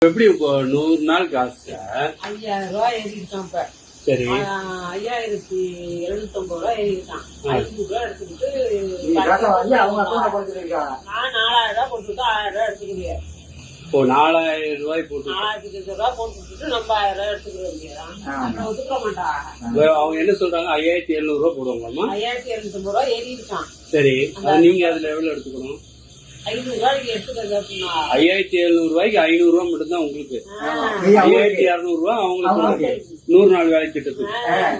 எப்படி இப்போ 100 நாள் காசுல 5000 ரூபாய் ஏறிட்டான். இப்ப சரி 5750 ரூபாய் ஏறிட்டான். 500 ரூபாய் எடுத்துக்கிட்டு நான் 4000 ரூபாய் போட்டுட்டு 1000 ரூபாய் எடுத்துக்கிறேன். இப்போ 4000 ரூபாய் போட்டு 4000 ரூபாய் போட்டுட்டு நம்ம 1000 ரூபாய் எடுத்துக்கிறோம். ஒத்துக்க மாட்டாங்க. அவங்க என்ன சொல்றாங்க? 5700 ரூபாய் போடுவாங்களாமா? 5750 ரூபாய் ஏறி இருக்கான். சரி, நீங்க அதுல எவ்வளவு எடுத்துக்கணும்? 500 ரூபாய்க்கு எடுத்துக்கிறது அப்படின்னா 5700 ரூபாய்க்கு 500 ரூபாய் மட்டும் தான் உங்களுக்கு. 5200 ரூபாய் அவங்களுக்கு 100 நாள் வேலை திட்டத்துக்கு.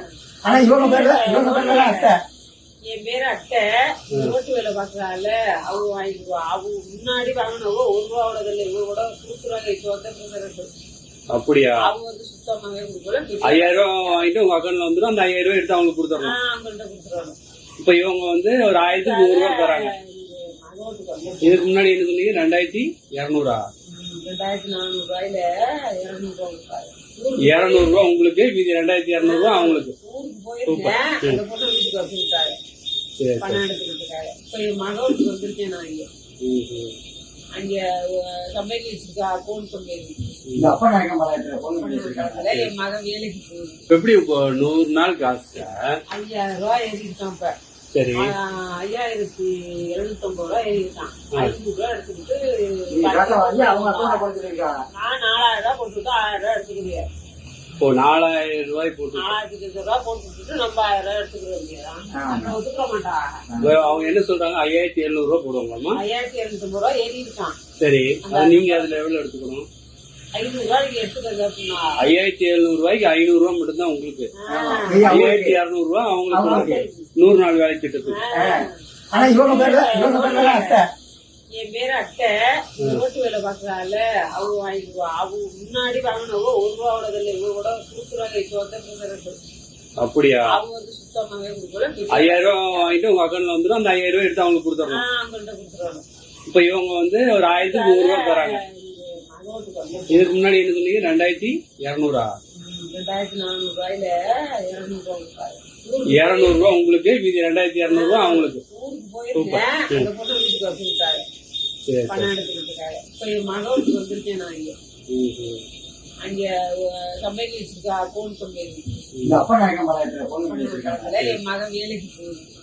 என் பேரு அட்டை ரோட்டு வேலை பாக்குறாள். அவங்க வாங்கிக்குவா. அவங்க முன்னாடி வாங்கினவங்க 1 ரூபாவோட இல்லை, இவங்க கூட கொடுக்குறாங்க. இப்போ அப்படியா? அவங்க வந்து சுத்தமாவே கொடுக்கல. 5000 ரூபாய் வாங்கிட்டு உங்க அக்கௌண்ட்ல வந்துடும். அந்த 5000 ரூபாய் எடுத்து அவங்களுக்கு கொடுத்துடணும். அவங்கள்ட்ட கொடுத்துருவாங்க. இப்ப இவங்க வந்து ஒரு 1100 ரூபாய் தராங்க. இதுக்கு முன்னாடி என்ன சொன்னீங்க? 2200. 2400 ரூபாயில 200 ரூபாய் உங்களுக்கு, மீதி 2200 ரூபாய் அவங்களுக்கு. ஊருக்கு போயிருக்கேன். அந்த பொண்ணு வீட்டுக்கு வச்சுக்கிட்டாரு பணம் எடுத்துக்கிட்டுருக்காரு. இப்ப என் மகனுக்கு வந்திருக்கேன். நான் அங்க கம்பெனி வச்சிருக்கா, போன் கம்பெனி. என் மகன் வேலைக்கு போகுது. எப்படி இப்போ 100 நாள் காசுல 5000 ரூபாய் ஏறிட்டான். இப்ப சரி 5750 ரூபாய் ஏறிட்டான். 500 ரூபாய் எடுத்துக்கிட்டு நான் 4000 ரூபாய் போட்டுட்டு 1000 ரூபாய் எடுத்துக்கிறேன். இப்போ 4000 ரூபாய் போட்டு 4000 ரூபாய் போட்டுட்டு நம்ம 1000 ரூபாய் எடுத்துக்கிறோம். ஒத்துக்க மாட்டாங்க. அவங்க என்ன சொல்றாங்க? 5700 ரூபாய் போடுவாங்களாமா? 5750 ரூபாய் ஏறி இருக்கான். சரி, நீங்க அதுல எவ்வளவு எடுத்துக்கணும்? 500 ரூபாய்க்கு எடுத்துக்கிறது அப்படின்னா 5700 ரூபாய்க்கு 500 ரூபாய் மட்டும் தான் உங்களுக்கு. 5200 ரூபாய் அவங்களுக்கு 100 நாள் வேலை திட்டத்துக்கு. என் பேரு அட்டை ரோட்டு வேலை பாக்குறாள். அவங்க வாங்கிக்குவா. அவங்க முன்னாடி வாங்கினவங்க 1 ரூபாவோட இல்லை, இவங்க கூட கொடுக்குறாங்க. இப்போ அப்படியா? அவங்க வந்து சுத்தமாவே கொடுக்கல. 5000 ரூபாய் வாங்கிட்டு உங்க அக்கௌண்ட்ல வந்துடும். அந்த 5000 ரூபாய் எடுத்து அவங்களுக்கு கொடுத்துடணும். அவங்கள்ட்ட கொடுத்துருவாங்க. இப்ப இவங்க வந்து ஒரு 1100 ரூபாய் தராங்க. இதுக்கு முன்னாடி என்ன சொன்னீங்க? 2200. 2400 ரூபாயில 200 ரூபாய் உங்களுக்கு, மீதி 2200 ரூபாய் அவங்களுக்கு. ஊருக்கு போயிருக்கேன். அந்த பொண்ணு வீட்டுக்கு வச்சுக்கிட்டாரு பணம் எடுத்துக்கிட்டுருக்காரு. இப்ப என் மகனுக்கு வந்திருக்கேன். நான் அங்க கம்பெனி வச்சிருக்கா, போன் கம்பெனி. என் மகன் வேலைக்கு போகுது.